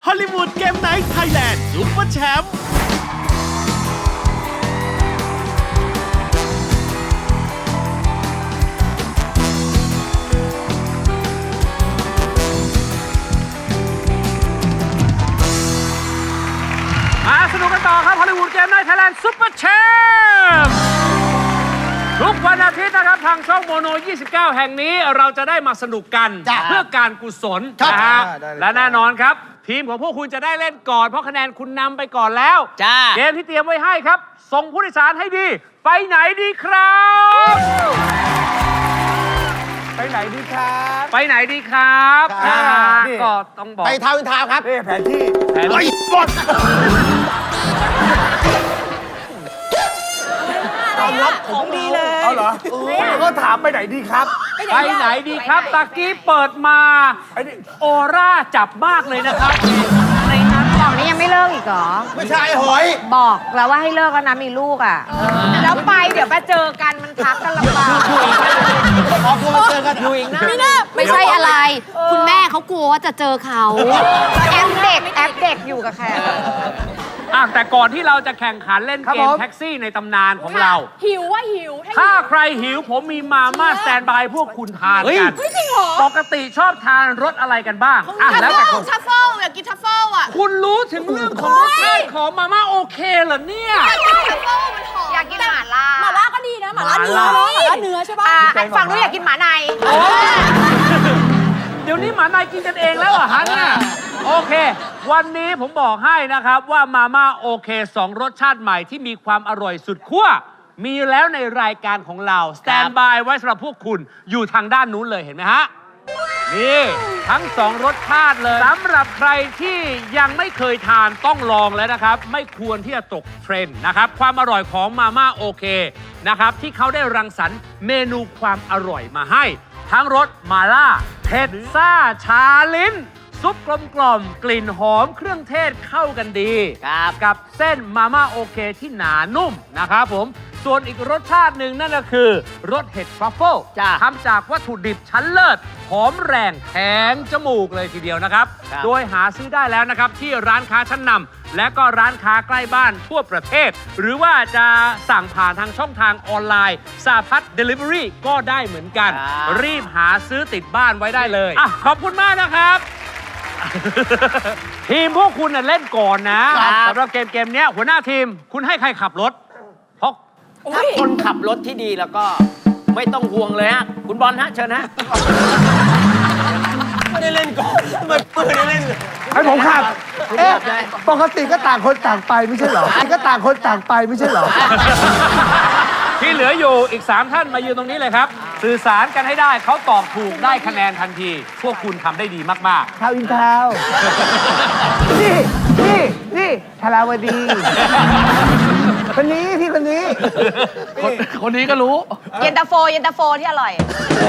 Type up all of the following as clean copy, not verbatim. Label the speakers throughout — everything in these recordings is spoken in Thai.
Speaker 1: อลลีวูดเกมไนท์ไทยแลนด์ซุปเปอร์แชมป์
Speaker 2: มาสนุกกันต่อครับฮอลลีวูดเกมไนท์ไทยแลนด์ซุปเปอร์แชมป์ทุกวันอาทิตย์นะครับทางช่องโมโน 29 แห่งนี้เราจะได้มาสนุกกันเพื่อการกุศลนะฮะและแน่นอนครับ ทีมของพวกคุณจะได้เล่นก่อนเพราะคะแนนคุณนำไปก่อนแล้วเกมที่เตรียมไว้ให้ครับ ส่งผู้โดยสารให้ดี ไปไหนดีครับ
Speaker 3: ไปไหนดีครับ
Speaker 2: ไปไหนดีครับนะฮะก็ต้องบอก
Speaker 3: ไปทาวน์อินทาวน์ครับแผนที่ไอ้บอสตอบรับของดีเลยเอาเหรอก็ถามไปไหนดีครับ
Speaker 2: ไปไหนดีครับตะกี้เปิดมาออร่าจับมากเลยนะครับในนั้น
Speaker 4: บอกนี่ยังไม่เลิกอีกเหรอ
Speaker 3: ไม่ใช่หอย
Speaker 4: บอกแล้วว่าให้เลิกแล้วนะมีลูกอ่ะ แล้วไปเดี๋ยวไปเจอกันมันทักกันลำบาก
Speaker 3: พอมาเจอกันอยู่อีกนะ
Speaker 5: ไม่ใช่อะไร คุณแม่เขากลัวว่าจะเจอเขา
Speaker 4: แอปเด็กอยู่กับแขก
Speaker 2: แต่ก่อนที่เราจะแข่งขันเล่นเกมแท็กซี่ในตำนานของเรา
Speaker 5: หิวว่าหิว
Speaker 2: ถ้าใครหิวผมมีมาม่าสแตนบายพวกคุณทานกัน
Speaker 5: จริงเหรอ
Speaker 2: ปกติชอบทานรสอะไรกันบ้างแล้วแต่คน
Speaker 5: ทัฟเฟิลอยากกินทัฟเฟิลอ่ะ
Speaker 2: คุณรู้ถึงเรื่องของรสชาติของมาม่าโอเคเหรอเนี่ย
Speaker 5: ทัฟเฟิลมันหอม
Speaker 4: อยากกินหม่าล่า
Speaker 5: หม่าล่าก็ดีนะหม่าล่าเนื้อ
Speaker 2: หม่าล่า
Speaker 5: หม่าล่าเนื้อใช่ป่ะ
Speaker 4: ฟังด้วยอยากกินหมาใน
Speaker 2: เดี๋ยวนี้หมานายกินกันเองแล้วเหรอฮะเนี่ยโอเค วันนี้ผมบอกให้นะครับว่ามาม่าโอเค2รสชาติใหม่ที่มีความอร่อยสุดขั้วมีแล้วในรายการของเราสแตนบายไว้สำหรับพวกคุณอยู่ทางด้านนู้นเลยเห็นไหมฮะนี่ทั้ง2รสชาติเลยสำหรับใครที่ยังไม่เคยทานต้องลองแล้วนะครับไม่ควรที่จะตกเทรนด์นะครับความอร่อยของมาม่าโอเคนะครับที่เขาได้รังสรรค์เมนูความอร่อยมาให้ทั้งรสมาล่าเผ็ดซ่าชาลิ้นซุปกลมๆกลิ่นหอมเครื่องเทศเข้ากันดีกับเส้นมาม่าโอเคที่หนานุ่มนะครับผมส่วนอีกรสชาติหนึ่งนั่นก็คือรสเห็ดทรัฟเฟิลทำจากวัตถุดิบชั้นเลิศหอมแรงแทงจมูกเลยทีเดียวนะครับโดยหาซื้อได้แล้วนะครับที่ร้านค้าชั้นนำและก็ร้านค้าใกล้บ้านทั่วประเทศหรือว่าจะสั่งผ่านทางช่องทางออนไลน์สาพัฒน์เดลิเวอรี่ก็ได้เหมือนกันรีบหาซื้อติดบ้านไว้ได้เลยขอบคุณมากนะครับ ทีมพวกคุณเล่นก่อนนะสำหรับเกมนี้หัวหน้าทีมคุณให้ใครขับรถเพราะ
Speaker 6: ถ้าคนขับรถที่ดีแล้วก็ไม่ต้องห่วงเลยฮะคุณบอลฮะเชิญฮะ
Speaker 3: ไม่ได้เล่นก่อนไม่ได้เล่น
Speaker 7: ให้ผมขับปกติก็ต่างคนต่างไปไม่ใช่เหรอก็ต่างคนต่างไปไม่ใช่เหรอ
Speaker 2: ที่เหลืออยู่อีก 3 ท่านมายืนตรงนี้เลยครับ สื่อสารกันให้ได้เขาตอบถูกได้คะแนนทันที พวกคุณทำได้ดีมาก
Speaker 7: ทาวน์อินทาวน์นี่ธาราวดี คนนี้พี่คนนี้
Speaker 2: คนนี้ก็รู้
Speaker 4: เย็นตาโฟที่อร่อย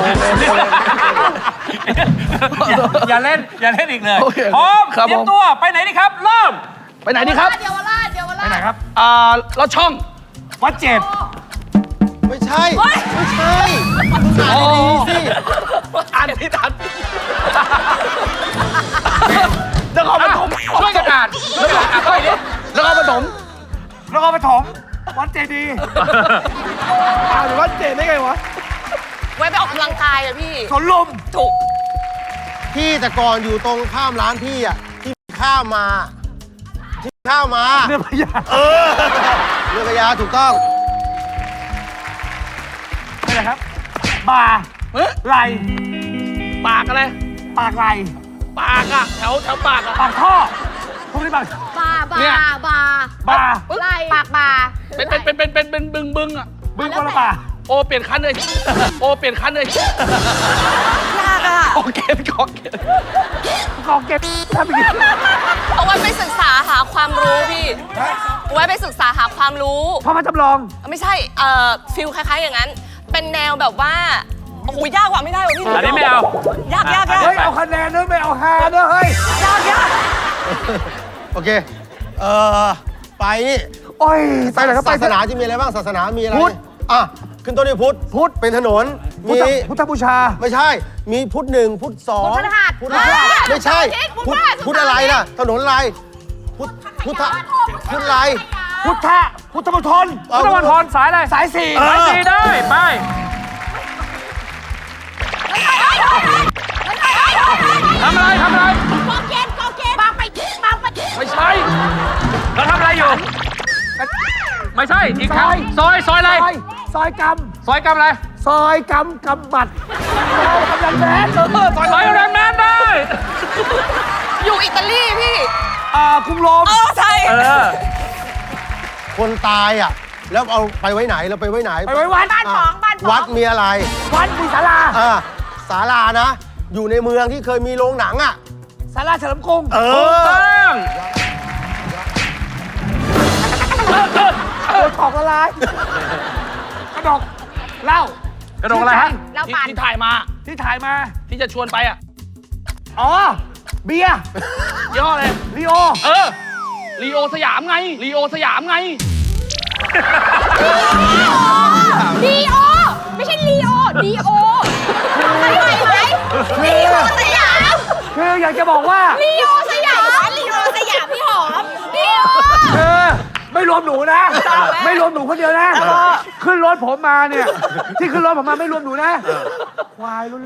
Speaker 2: อย่าเล่นอีกเลยพร้อมเตรียมตัวไปไหนดีครับ เริ่ม
Speaker 7: ไปไหนดีครับ
Speaker 5: เยาวราช
Speaker 2: ไปไหนครับ
Speaker 7: รถช่อง
Speaker 2: วัดเจ็ด
Speaker 3: ไม่ใช่ไม่ใช่อ่านดีๆสิ
Speaker 6: อ่านที่ทัน
Speaker 7: นครปฐม
Speaker 2: ช่วยกันอ่านไปดิ
Speaker 7: นครปฐม
Speaker 2: นครปฐมวัดเจดีย์
Speaker 7: อ่านวัดเจดได้ไงวะ
Speaker 5: ไว้ไปออกกำลังกายอะพี่
Speaker 2: สวนลุม
Speaker 5: ถูก
Speaker 3: พี่แต่ก่อนอยู่ตรงข้ามร้านพี่อ่ะที่ข้ามมาที่ข้ามมา
Speaker 7: เรื่องพยา
Speaker 3: เรือพญาถูกต้อง
Speaker 2: ไปไหนครับบ่าไหล
Speaker 6: ปากอะไร
Speaker 2: ปากไหล
Speaker 6: ปากอะแถวปากอะ
Speaker 2: ปากท่อพวกนี้ปาก
Speaker 6: เนี่ย
Speaker 2: บา
Speaker 4: ไหล่ปากบา
Speaker 6: เป็นบึงอะ
Speaker 2: บึ้งคนละบา
Speaker 6: โอเปลี่ยนคันเลยโอเปลี่ยนคันเลย
Speaker 5: ยากอะ
Speaker 6: โอเคขอเกต
Speaker 2: กองเก็บถ้าไปกิน
Speaker 5: เอาไว้ไปศึกษาหาความรู้พี่ไว้ไปศึกษาหาความรู้
Speaker 2: พ่อมาจำลอง
Speaker 5: ไม่ใช่ฟิลคล้ายๆอย่างนั้น เป็นแนวแบบว่า โอ้โห ยากกว่าไม่ได้ว่ะพี่
Speaker 2: อันนี้ไม่เอา
Speaker 5: ยาก
Speaker 7: เฮ้ย เอาคะแนนด้วยไม่เอาฮาด้วยเฮ้ย
Speaker 5: ยาก
Speaker 3: โอเคไปนี่
Speaker 7: โอ้ย ไปไหนก็ไป
Speaker 3: ศาสนาจะมีอะไรบ้างศาสนามีอะไร
Speaker 7: พุทธ
Speaker 3: อ่ะขึ้นต้นด้วยพุทธ
Speaker 7: พุทธ
Speaker 3: เป็นถนน
Speaker 7: พุทธบูชา
Speaker 3: ไม่ใช่ มีพุทธ1พุทธ2
Speaker 4: พุทธรหัส
Speaker 3: พุทธรหัสไม่ใช่ พุทธอะไรล่ะ ถนนอะไร พุทธอะไร
Speaker 7: พุทธมณฑล
Speaker 2: พุทธมณฑลสายอะไร
Speaker 7: สายสี่
Speaker 3: เออ
Speaker 2: สายสีได้ ไป ทำอะไร ทำอะไร
Speaker 4: กอเกณฑ์บางไปบางไป
Speaker 2: ไม่ใช่ เราทำอะไรอยู่ ไม่ใช่ อีกครั้งซอยอะไร
Speaker 7: ซอยก
Speaker 2: ซอยกำอะไร
Speaker 7: ำซอยกำบัดซอยกำลังแมน
Speaker 2: ซอยแรงแมนได้
Speaker 5: อยู่อิตาลีพี่
Speaker 7: กรุงโรม
Speaker 5: ใช่
Speaker 2: เออ
Speaker 3: คนตายอ่ะ แล้วเอาไปไว้ไหนเราไปไว้ไหน
Speaker 7: ไปไว้วัด
Speaker 4: บ้านสองบ้านสอง
Speaker 3: วัดมีอะไร
Speaker 7: วัดมีศาลา
Speaker 3: ศาลานะ อยู่ในเมืองที่เคยมีโรงหนังอ่ะ
Speaker 7: ศาลาเฉลิมกรุง
Speaker 2: ถูกต้อง
Speaker 7: โดนของละลายกระดกเหล้าก
Speaker 2: ระโดดอะไรฮะ
Speaker 4: เราปั่น
Speaker 6: ที่ถ่ายมา
Speaker 7: ที่ถ่ายมา
Speaker 6: ที่จะชวนไปอ่ะ
Speaker 7: อ๋อ เบียร์
Speaker 6: ย่ห้อเลย
Speaker 7: ลีโอ
Speaker 6: ลีโอสยามไงลีโอสยามไง
Speaker 4: ดีโอไม่ใช่ลีโอดีโอใช่ไหมลีโอสยาม
Speaker 7: คืออยากจะบอกว่า
Speaker 4: ลีโอสยามลีโอสยามพี่หอมลีโอ
Speaker 7: คือไม่รวมหนูนะ ไม่รวมหนูคนเดียวนะ ขึ้นรถผมมาเนี่ย ที่ขึ้นรถผมมาไม่รวมหนูนะ ควายล้วน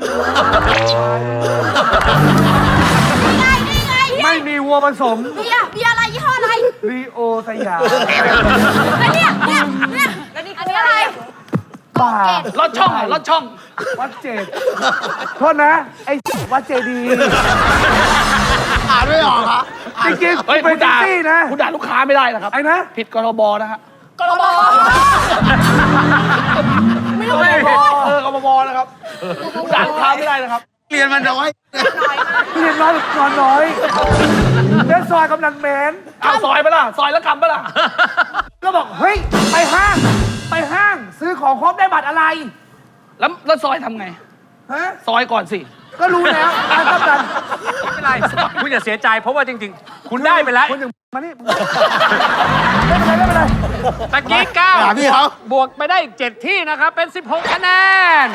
Speaker 4: นี่ไง
Speaker 7: ๆไม่มีวัวผสม
Speaker 4: เบียร์อะไรยี่ห้ออะไร
Speaker 7: ลีโอสยาม
Speaker 4: แล้วเนี่ยแล้วนี่คืออะไร
Speaker 7: บ้าร
Speaker 6: ถช่องรถช่อง
Speaker 7: วัดเจดโทษนะ ไอ้วัดเจดีย์
Speaker 3: อ่านไม่ออกเหรอ
Speaker 7: จริงๆ
Speaker 6: เฮ้ย
Speaker 7: เป็
Speaker 6: คุ
Speaker 7: น
Speaker 6: ณ
Speaker 7: แท็ก
Speaker 6: ด่า
Speaker 7: ซี่นะ
Speaker 6: คุณด่าลูกค้าไม่ได้นะครับ
Speaker 7: ไอ้นะ
Speaker 6: ผิดกทบนะฮะ
Speaker 5: กรบ
Speaker 6: ไม่ต้องกทบนะครับคุณด่าลูกค้าไม่ได้นะครับ
Speaker 3: เรียนมันน้อย
Speaker 7: เรียนน้อยนอนน้อยเล่นซอยกำลังแมน
Speaker 6: เอาซอยไปล่ะ ซอยแล้วกำไปล่ะ
Speaker 7: ก็บอก เฮ้ย ไปห้าง ซื้อของครบได้บัตรอะไร
Speaker 6: แล้วซอยทำไง
Speaker 7: ฮะ
Speaker 6: ซอยก่อนสิ
Speaker 7: ก็รู้แล้วการกำลัง
Speaker 2: ไม่เป็นไร คุณอย่าเสียใจ เพราะว่าจริงๆ คุณได้ไปแล้ว
Speaker 7: คนหนึ่งมานี่ไม่เป็นไร
Speaker 2: ตะกี้
Speaker 3: หาพี่เขา
Speaker 2: 9บวกไปได้อีก 7 ที่นะครับ เป็น 16 คะแนน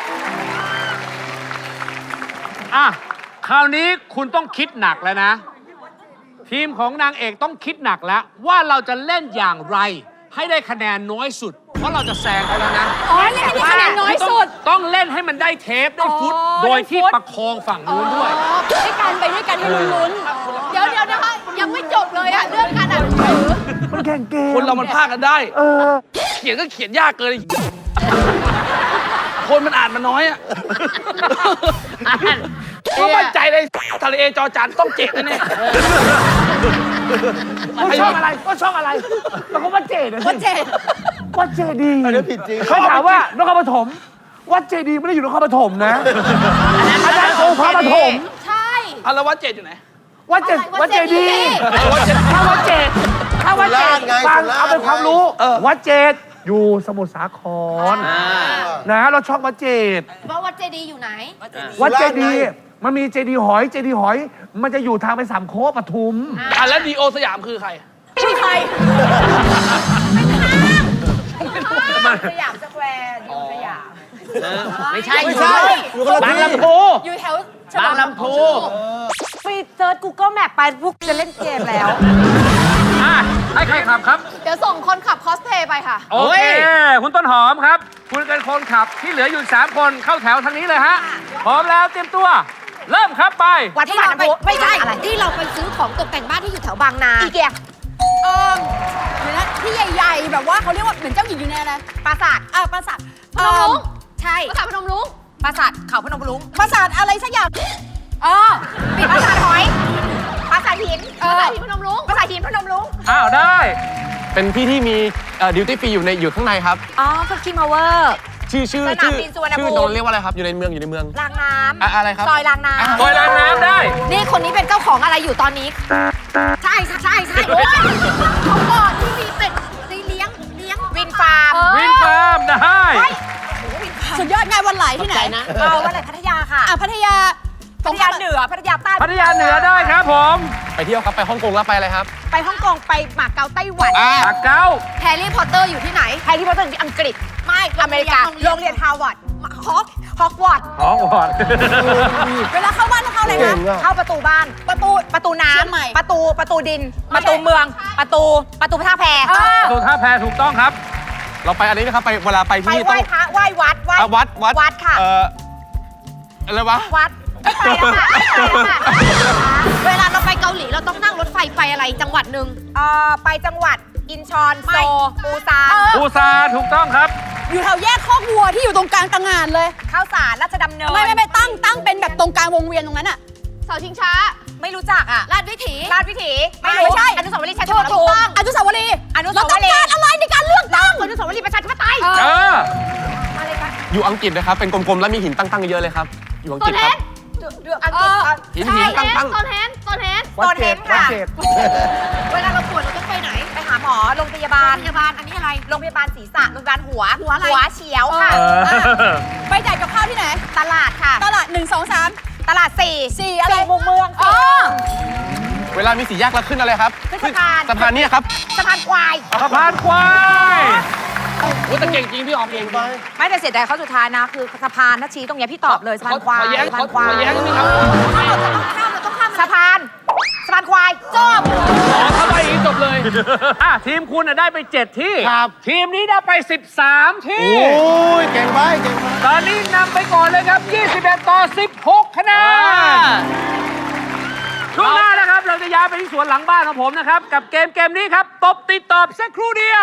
Speaker 2: อ่ะ คราวนี้คุณต้องคิดหนักแล้วนะ ทีมของนางเอกต้องคิดหนักแล้ว ว่าเราจะเล่นอย่างไร ให้ได้คะแนนน้อยสุด เพราะเราจะแซงเขาแล้วนะ
Speaker 4: อ๋อเล่นให้คะแนนน้อยสุด
Speaker 2: ต้องเล่นให้มันได้เทปได้ฟุต โดยที่ประคองฝั่งนู้นด้วย
Speaker 4: ด้วยกันไปด้วยกันให้ลุ้นๆเดี๋ยวนะคะยังไม่จบเลยอะเรื่องการอ่านหนังสือ
Speaker 7: มันแข่งเกม
Speaker 6: คนเรามันพากกันได้ เขียนก็เขียนยากเกินคนมันอ่านมันน้อยอ่ะก็มั่นใจเลยทะเลจอจานต้องเจ็ดแน่
Speaker 7: ก็ช่องอะไรแล้วก็วัดเจดนะสิวัดเจดีย์
Speaker 3: อันนี้ผิดจริง
Speaker 7: เขาถามว่านครปฐมวัดเจดีย์ไม่ได้อยู่นครปฐมนะอันนั้นองค์พระปฐม
Speaker 4: ใช่
Speaker 6: ๆแล้ววัดเจ็ดอยู่ไหน
Speaker 7: วัดเจดีย์ถ้าวัดเจดฟังเอาเป็นความรู้วัดเจดอยู่สมุทรสาครนะเราช่องวัดเจด
Speaker 4: ว่าวัดเจดีย์อยู่ไหน
Speaker 7: วัดเจดีย์มันมีเจดีย์หอย มันจะอยู่ทางไปสามโคกปทุม
Speaker 6: แล้วดีโอสยามคือใคร
Speaker 4: ไม่ใครสยามสแควร์อยู่สยาม
Speaker 6: ไม่ใช่
Speaker 3: ไม่ใช่อยู่คนละ
Speaker 6: บาง
Speaker 3: ที่
Speaker 6: ลำพู
Speaker 4: อยู่แถว
Speaker 6: บางลำพู
Speaker 4: ไปเซิร์ช Google Map ไปพวกจะเล่นเกมแล้ว
Speaker 2: อ่ะ ให้ใครขับครับ
Speaker 4: เดี๋ยวส่งคนขับคอสเพย์ไปค่ะ
Speaker 2: โอเค คุณต้นหอมครับ คุณเป็นคนขับที่เหลืออยู่ 3 คนเข้าแถวทางนี้เลยฮะ พร้อมแล้วเตรียมตัว เริ่มครับไป
Speaker 4: วัดที่เราไปไม่ใช่ที่เราไปซื้อของตกแต่งบ้านที่อยู่แถวบางนาอีเกีย
Speaker 8: เดี๋ยวนะที่ใหญ่ๆ แบบว่าเขาเรียกว่าเหมือนเจ้าหญิงอยู่ในอะไร
Speaker 4: ปราสาท
Speaker 8: ปราสาท
Speaker 4: พนมรุ้ง
Speaker 8: ใช่
Speaker 4: ปราสาทพนมรุ้งปราสาทเขาพนมรุ้ง
Speaker 8: ปราสาทอะไรสักอย่าง
Speaker 4: ปิดปราสาทหอยปราสาทหินปราสาทหินพนมรุ้งปราสาทหินพนมรุ้ง
Speaker 2: อ้าว ได้
Speaker 9: เป็นที่ที่มีดิวตี้ฟรีอยู่ข้างในครับ
Speaker 4: อ๋อฟักคิงพาวเวอร์
Speaker 9: ชื่อ
Speaker 4: สนามบินสุวรรณภูมิ
Speaker 9: โดนเรียกว่าอะไรครับ อยู่ในเมือง
Speaker 4: รางน้ำ
Speaker 9: อะไรครับ
Speaker 4: ซอยรางน้
Speaker 2: ซอยรางน้ำได้
Speaker 4: ำนี่คนนี้เป็นเจ้าของอะไรอยู่ตอนนี้ ใช่โอ้ยเขาก่อนที่มีเป็ดเลี้ยงวินฟาร์ม
Speaker 2: วินฟาร์มได้
Speaker 8: สุดยอดงานวันไหลที่ไหนนะ
Speaker 4: วันไหนพัทยาค่ะ
Speaker 8: พัทยา
Speaker 4: พัทยาเหนือพัทยาใต้
Speaker 2: พัทยาเหนือได้ครับผม
Speaker 9: ไปเที่ยวครับ ไปฮ่องกงแล้วไปอะไรครับ
Speaker 4: ไปฮ่องกงไปหมาเก๊าไต้หวัน
Speaker 2: ปากเก้า
Speaker 4: แฮร์รี่พอตเตอร์อยู่ที่ไหนแฮร์รี่พอตเตอร์อยู่ที่อังกฤษไม่อเมริกาโรงเรียนฮาร์วาร์ดฮอกวอตส์
Speaker 2: อ๋อก่อน
Speaker 8: เวลาเข้าบ้านต้องเข้าอะไร
Speaker 3: เก่
Speaker 8: นะ
Speaker 3: งอ่ะ
Speaker 4: เข้าประตูบ้าน ประตูน้
Speaker 8: เชียงใหม่
Speaker 4: ำประตูดิน ประตูเมือง ประตูท่าแพ
Speaker 2: ดูท่าแพถูกต้องครับ
Speaker 9: เราไปอันนี้นะครับ ไปเวลาไป
Speaker 4: ไป
Speaker 9: ที่
Speaker 4: ไหว้พระไหว้วัด
Speaker 9: อ่ะวัด
Speaker 4: วัดค่ะ
Speaker 9: อะไรวะ
Speaker 4: วัดไม่ไปแล้วค่ะไม่ไปแล้วค่ะ เวลาเราไปเกาหลีเราต้องนั่งรถไฟไปอะไรจังหวัดหนึ่งไปจังหวัดอินชอนโซปูซาน
Speaker 2: ปูซาถูกต้องครับ
Speaker 8: อยู่แถวแยกคอกวัวที่อยู่ตรงกลางตางานเลย
Speaker 4: ข้าวสารราชดำเนิน
Speaker 8: ไม่ตั้งเป็นแบบตรงกลางวงเวียนตรงนั้นอะ
Speaker 4: เสาชิงช้า ไม่รู้จักอ่ะลาดวิถีไม่
Speaker 8: ไม่ใช่
Speaker 4: อนุสาวรีย์ชัย
Speaker 8: ถูกถูกอนุสาวรีย์
Speaker 4: อนุ
Speaker 8: เรา
Speaker 4: สาว
Speaker 8: ต้อง
Speaker 4: รี
Speaker 8: การ
Speaker 4: ย์
Speaker 8: อะไรในการเลือกตั้ง
Speaker 4: อนุสาวรีย์ประชาธิปไตย
Speaker 2: เออ
Speaker 4: อะไรกัน
Speaker 9: อยู่อังกฤษนะครับ เป็นกลมๆ แล้วมีหินตั้งๆ เยอะเลยครับ อยู่อังกฤษครับ
Speaker 4: อังกฤษ
Speaker 9: หินตั้ง
Speaker 4: โซนเฮน
Speaker 7: วัดเจดวัดเจด
Speaker 4: เวลาเราปวดเราต้องไปไหน ไปหาหมอโรงพยาบาล อันนี้อะไร โรงพยาบาลศีรษะ โรงพยาบาลหัว หัวเฉียวค่ะ
Speaker 8: ไปจ่ายกับข้าวที่ไหน
Speaker 4: ตลาดค่ะ
Speaker 8: ตลาด 1 2 3
Speaker 4: ตลาด4
Speaker 8: 4อะไร
Speaker 4: มุมเมือง
Speaker 8: อ๋อ
Speaker 9: เวลามีสี่แยกแล้วขึ้นอะไรครับ
Speaker 4: ขึ้นสะพาน
Speaker 9: สะพานเนี่ยครับ
Speaker 4: สะพานควาย
Speaker 2: สะพานควาย
Speaker 6: โอ้แต่เก่งจริงพี่ออกเก่งจริง
Speaker 4: ไม่แต่เสียดายเขาสุดท้ายนะ คือสะพานถ้าชี้ตรงเนี้ยพี่ตอบเลยสะพานควาย
Speaker 6: ขอแย้ง
Speaker 4: สะพานควาย
Speaker 6: ขอแย้งนิดนึงครับ
Speaker 4: เราต้องข้ามสะพานควายจบ
Speaker 6: ถ้าไปอย่างนี้จบเลย
Speaker 2: อ่ะทีมคุณน่ะได้ไป 7 ที่
Speaker 3: ครับ
Speaker 2: ทีมนี้ได้ไป 13 ที่
Speaker 3: โอ้ยเก่งไปเก่งไป
Speaker 2: ตอนนี้นำไปก่อนเลยครับ 21 ต่อ 16 คะแนน ช่วงหน้านะครับ เราจะย้ายไปที่สวนหลังบ้านของผมนะครับ กับเกมนี้ครับ ตบติดตอบสักครู่เดียว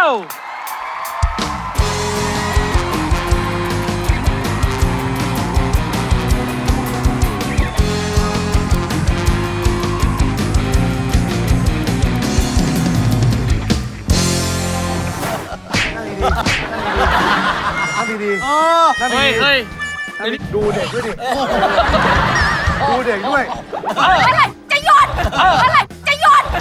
Speaker 3: เอาดี
Speaker 7: นั่น
Speaker 6: เฮ้ย
Speaker 7: ดี
Speaker 6: เฮ้ย
Speaker 7: ดูเด็กด้วยดิ ดูเด็กด้วย
Speaker 4: อะไรจะหยดอะไรจะหยด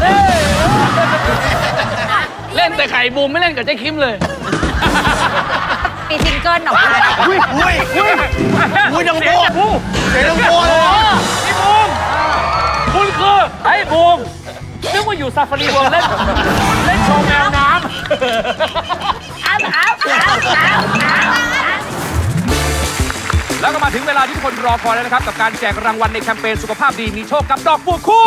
Speaker 6: เล่นแต่ไข่บูมไม่เล่นกับเจ๊คิมเลย
Speaker 4: มีซิงเกิลออกมา
Speaker 3: ๆอุ้ยอุ้ยอุ้ย
Speaker 2: อุ้ยดังโบ้บู
Speaker 3: เสียงดังโบเลย
Speaker 2: พี่บูมคุณคือไอ้บูมนึกว่าอยู่ซาฟารีเวิลด์เล่นโชว์แมวน้ำ แล้วก็มาถึงเวลาที่ทุกคนรอคอยแล้วนะครับ กับการแจกรางวัลในแคมเปญสุขภาพดีมีโชคกับดอกบัวคู่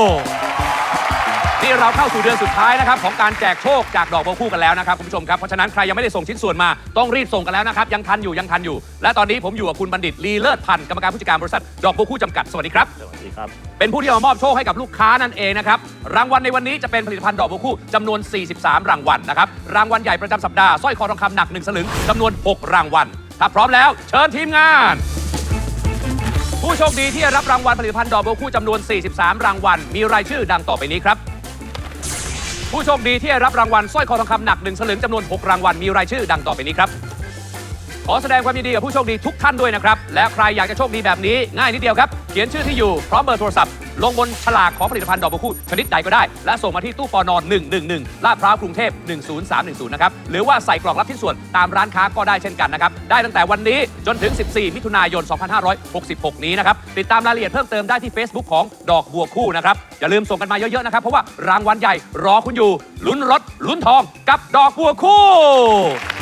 Speaker 2: นี่เราเข้าสู่เดือนสุดท้ายนะครับของการแจกโชคจากดอกบัวคู่กันแล้วนะครับคุณผู้ชมครับเพราะฉะนั้นใครยังไม่ได้ส่งชิ้นส่วนมาต้องรีบส่งกันแล้วนะครับยังทันอยู่และตอนนี้ผมอยู่กับคุณบัณฑิตลีเลิศพันธ์กรรมการผู้จัดการบริษัทดอกบัวคู่จำกัดสวัสดีครับสวัสดีครับเป็นผู้ที่มามอบโชคให้กับลูกค้านั่นเองนะครับรางวัลในวันนี้จะเป็นผลิตภัณฑ์ดอกบัวคู่จำนวน 43 รางวัลนะครับรางวัลใหญ่ประจำสัปดาห์สร้อยคอทองคำหนัก1 สลึงจำนวน 6 รางวัลถ้าพร้อมแล้วเชิญทีมงาน ผู้โชคดีที่ได้รับรางวัลผลิตภัณฑ์ดอกบัวคู่จำนวน 43 รางวัลมีรายชื่อดังต่อไปนี้ครับผู้โชคดีที่ได้รับรางวัลสร้อยคอทองคำหนัก1 สลึงจำนวน 6 รางวัลมีรายชื่อดังต่อไปนี้ครับขอแสดงความยินดีกับผู้โชคดีทุกท่านด้วยนะครับและใครอยากจะโชคดีแบบนี้ง่ายนิดเดียวครับเขียนชื่อที่อยู่พร้อมเบอร์โทรศัพท์ลงบนฉลากของผลิตภัณฑ์ดอกบัวคู่ชนิดใดก็ได้และส่งมาที่ตู้ปน111ลาดพร้าวกรุงเทพ10310นะครับหรือว่าใส่กล่องรับชิ้นส่วนตามร้านค้าก็ได้เช่นกันนะครับได้ตั้งแต่วันนี้จนถึง14 มิถุนายน 2566 นี้นะครับติดตามรายละเอียดเพิ่มเติมได้ที่ Facebook ของดอกบัวคู่นะครับอย่าลืมส่งกันมาเยอะๆนะครับเพราะว่ารางวัลใหญ่รอคุณอยู่ลุ้นรถลุ้นทองกับดอกบัวคู่